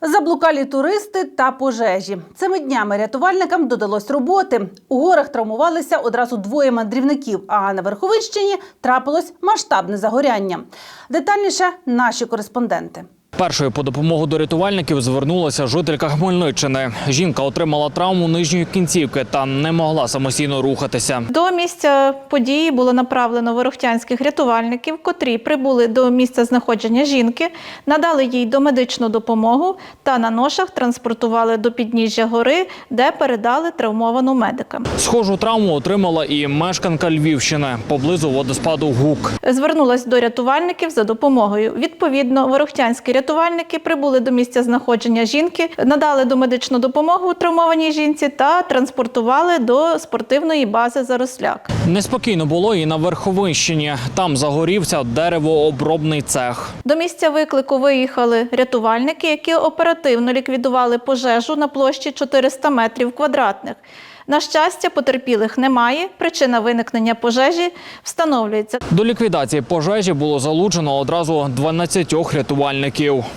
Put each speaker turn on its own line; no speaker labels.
Заблукалі туристи та пожежі. Цими днями рятувальникам додалось роботи. У горах травмувалися одразу двоє мандрівників, а на Верховинщині трапилось масштабне загоряння. Детальніше наші кореспонденти.
Першою по допомогу до рятувальників звернулася жителька Хмельниччини. Жінка отримала травму нижньої кінцівки та не могла самостійно рухатися.
До місця події було направлено ворохтянських рятувальників, котрі прибули до місця знаходження жінки, надали їй домедичну допомогу та на ношах транспортували до підніжжя гори, де передали травмовану медикам.
Схожу травму отримала і мешканка Львівщини поблизу водоспаду Гук.
Звернулась до рятувальників за допомогою. Відповідно, ворохтянські рятувальники прибули до місця знаходження жінки, надали домедичну допомогу травмованій жінці та транспортували до спортивної бази «Заросляк».
Неспокійно було і на Верховинщині. Там загорівся деревообробний цех.
До місця виклику виїхали рятувальники, які оперативно ліквідували пожежу на площі 400 метрів квадратних. На щастя, потерпілих немає. Причина виникнення пожежі встановлюється.
До ліквідації пожежі було залучено одразу 12 рятувальників.